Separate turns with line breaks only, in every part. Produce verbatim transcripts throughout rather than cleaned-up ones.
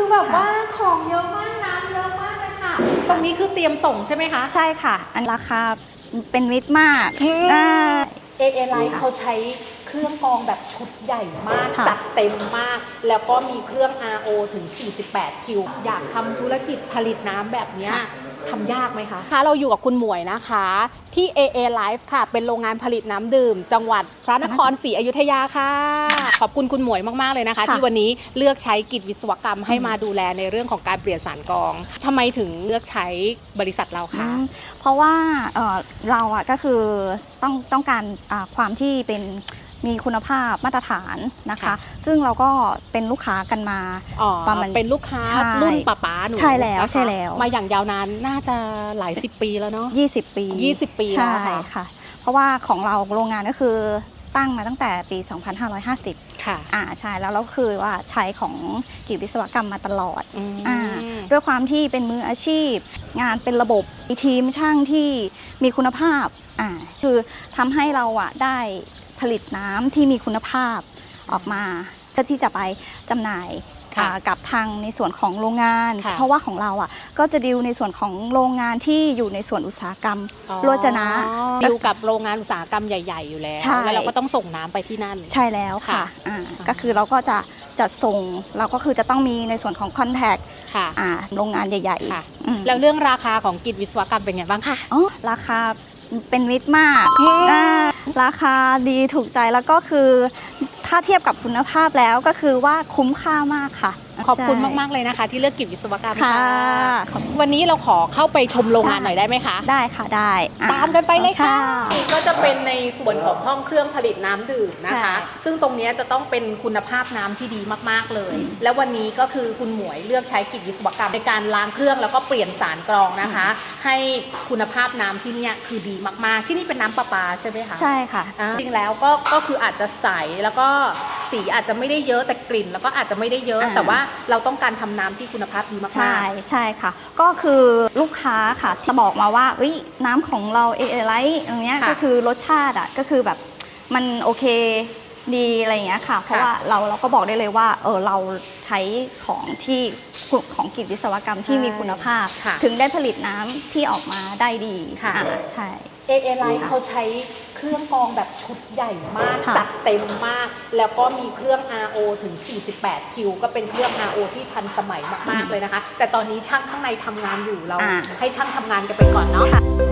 แบบว่าของเยอะมากน้ำเยอะมากเลยค่ะตรงนี้คือเตรียมส่งใช่ไหมคะ
ใช่ค่ะอันราคาเป็นมิตรมากอ่า
เอ เอ Life เขาใช้เครื่องกรองแบบชุดใหญ่มากจัดเต็มมากแล้วก็มีเครื่อง อาร์ โอ ถึงสี่สิบแปดคิวอยากทำธุรกิจผลิตน้ำแบบนี้ทำยากไหมคะคะเราอยู่กับคุณหมวยนะคะที่ เอ เอ Life ค่ะเป็นโรงงานผลิตน้ำดื่มจังหวัดพระนครศรีอยุธยาค่ะขอบคุณคุณหมวยมากๆเลยนะคะที่วันนี้เลือกใช้กิจวิศวกรรมให้มาดูแลในเรื่องของการเปลี่ยนสารกรองทำไมถึงเลือกใช้บริษัทเราคะ
เพราะว่าเเราอ่ะก็คือต้องต้องการความที่เป็นมีคุณภาพมาตรฐานนะคะซึ่งเราก็เป็นลูกค้ากันมา
ประมาณเป็นลูกค้ารุ่นป้าป้าหนู
ใช่แล้วใช่แล้ว
มาอย่างยาวนานน่าจะหลายสิบปีแล้วเนาะ
ยี่สิบปี
ยี่สิบปีแล้ว
ค่ะเพราะว่าของเราโรงงานก็คือตั้งมาตั้งแต่ปีสองพันห้าร้อยห้าสิบค่ะอ่าใช่แล้วเราคือว่าใช้ของกิจวิศวกรรมมาตลอดอ่าด้วยความที่เป็นมืออาชีพงานเป็นระบบมีทีมช่างที่มีคุณภาพอ่าคือทำให้เราอ่ะได้ผลิตน้ำที่มีคุณภาพออกมาเพื่อที่จะไปจำหน่ายกับทางในส่วนของโรงงานเพราะว่าของเราอ่ะก็จะดิวในส่วนของโรงงานที่อยู่ในส่วนอุตสาหกรรมโรจนะ
ดิวกับโรงงานอุตสาหกรรมใหญ่ๆอยู่แล้วแล้วเราก็ต้องส่งน้ำไปที่นั่น
ใช่แล้วค่ะก็คือเราก็จะจัดส่งเราก็คือจะต้องมีในส่วนของคอนแทคโรงงานใหญ่
ๆแล้วเรื่องราคาของกิจวิศวกรรมเป็นไงบ้างคะ
อ๋อราคาเป็นมิตรมากราคาดีถูกใจแล้วก็คือถ้าเทียบกับคุณภาพแล้วก็คือว่าคุ้มค่ามากค่ะ
ขอบคุณมากๆเลยนะคะที่เลือกกิจวิศวกรรมค่ะวันนี้เราขอเข้าไปชมโรงงานหน่อยได้ไหมคะ
ได้ค่ะได้
ตามกันไปเลยค่ะก็จะเป็นในส่วนของห้องเครื่องผลิตน้ำดื่มนะคะซึ่งตรงนี้จะต้องเป็นคุณภาพน้ำที่ดีมากๆเลยแล้ววันนี้ก็คือคุณหมวยเลือกใช้กิจวิศวกรรมในการล้างเครื่องแล้วก็เปลี่ยนสารกรองนะคะให้คุณภาพน้ำที่นี่คือดีมากๆที่นี่เป็นน้ำประปาใช่ไหมคะ
ใช่ค่ะ
จริงแล้วก็ก็คืออาจจะใสแล้วก็สีอาจจะไม่ได้เยอะแต่กลิ่นแล้วก็อาจจะไม่ได้เยอะแต่ว่าเราต้องการทำน้ำที่คุณภาพดีมากๆ
ใช่ใช่ค่ะก็คือลูกค้าค่ะจะบอกมาว่าน้ำของเราเอเอไลท์ตรงนี้ก็คือรสชาติอ่ะก็คือแบบมันโอเคดีอะไรอย่างเงี้ยค่ะเพราะว่าเราเราก็บอกได้เลยว่าเออเราใช้ของที่ของกิจวิศวกรรมที่มีคุณภาพถึงได้ผลิตน้ำที่ออกมาได้ดีค่ะใช่
เอ เอ Life เขาใช้เครื่องกรองแบบชุดใหญ่มากจัดเต็มมากแล้วก็มีเครื่อง อาร์ โอ ถึงสี่สิบแปดคิวก็เป็นเครื่อง อาร์ โอ ที่ทันสมัยมากๆเลยนะคะแต่ตอนนี้ช่างข้างในทำงานอยู่เราให้ช่างทำงานกันไปก่อนเนาะ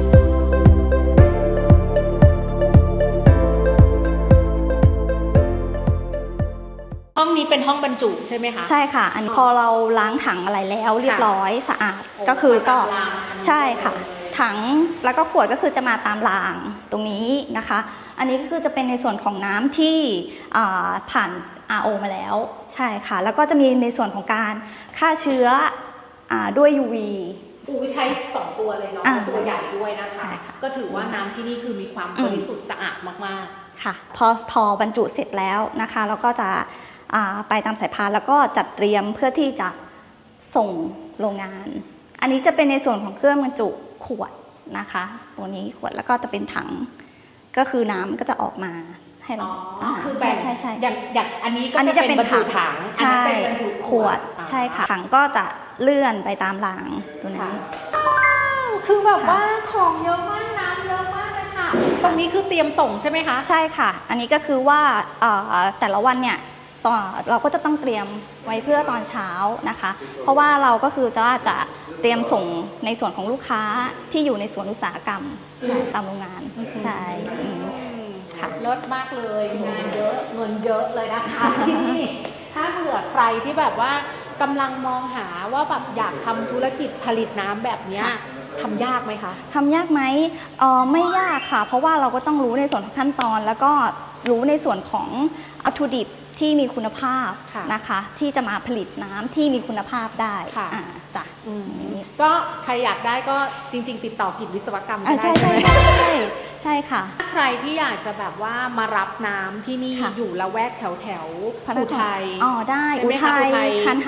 ห้องนี้เป็นห้องบรรจุใช่ไหมคะ
ใช่ค่ะอันพอเราล้างถังอะไรแล้วเรียบร้อยสะอาดก็คือก็ใช่ค่ะถังแล้วก็ขวดก็คือจะมาตามรางตรงนี้นะคะอันนี้ก็คือจะเป็นในส่วนของน้ำที่ผ่าน อาร์ โอ มาแล้วใช่ค่ะแล้วก็จะมีในส่วนของการฆ่าเชื้อด้วย ยู วี
อูใช้สองตัวเลยเนาะตัวใหญ่ด้วยนะคะก็ถือว่าน้ำที่นี่คือมีความบริสุทธิ์สะอาดมาก
ๆค่ะพอพอบรรจุเสร็จแล้วนะคะเราก็จะไปตามสายพานแล้วก็จัดเตรียมเพื่อที่จะส่งโรงงานอันนี้จะเป็นในส่วนของเครื่องบรรจุขวดนะคะตัวนี้ขวดแล้วก็จะเป็นถังก็คือน้ำก็จะออกมาให้เรา
คือใช่ใช่ใช่อย่างอย่างอันนี้ก็จะเป็นบรรจุถัง
ใช่ขวดใช่ค่ะถังก็จะเลื่อนไปตามรางตัวนี้
คือแบบว่าของเยอะมากน้ำเยอะมากเลยค่ะตรงนี้คือเตรียมส่งใช่ไหมคะ
ใช่ค่ะอันนี้ก็คือว่าแต่ละวันเนี่ยเราก็จะต้องเตรียมไว้เพื่อตอนเช้านะคะเพราะว่าเราก็คือจะจะเตรียมส่งในส่วนของลูกค้าที่อยู่ในสวนอุตสาหกรรมตามโรงงานใช่
ค่ะเลิศมากเลยงานเยอะเงินเยอะเลยนะคะที่นี่ถ้าเผื่อใครที่แบบว่ากำลังมองหาว่าแบบอยากทำธุรกิจผลิตน้ำแบบนี้ทำยากไหมคะ
ทำยากไหมเออไม่ยากค่ะเพราะว่าเราก็ต้องรู้ในส่วนของขั้นตอนแล้วก็รู้ในส่วนของวัตถุดิบที่มีคุณภาพนะคะที่จะมาผลิตน้ำที่มีคุณภาพได้จ้ะ
ก็ใครอยากได้ก็จริงๆติดต่อกิจวิศวกรรมได้
ใช่ใช่ใช่ใช่ค่ะ
ใครที่อยากจะแบบว่ามารับน้ำที่นี่อยู่ละแวกแถวแถวอุทัย
อ๋อได้อุทัยคันหาม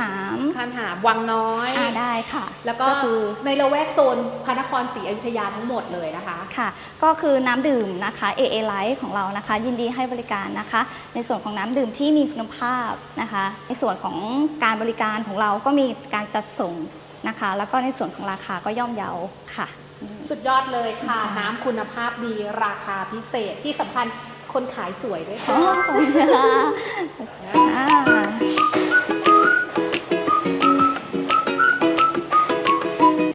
คันหาวังน้อย
อ่าได้ค่ะ
แล้วก็
ก็คือ
ในละแวกโซนพระนครศรีอยุธยาทั้งหมดเลยนะคะ
ค่ะก็คือน้ำดื่มนะคะ เอ เอ Life ของเรานะคะยินดีให้บริการนะคะ ในส่วนของน้ำดื่มที่มีคุณภาพนะคะในส่วนของการบริการของเราก็มีการจัดส่งนะคะ แล้วก็ในส่วนของราคาก็ย่อมเยาค่ะ
สุดยอดเลยค่ะ น้ำคุณภาพดีราคาพิเศษที่สำคัญคนขายสวยด้วยค่ะ
อ๋อขอบคุณค่ะอ่า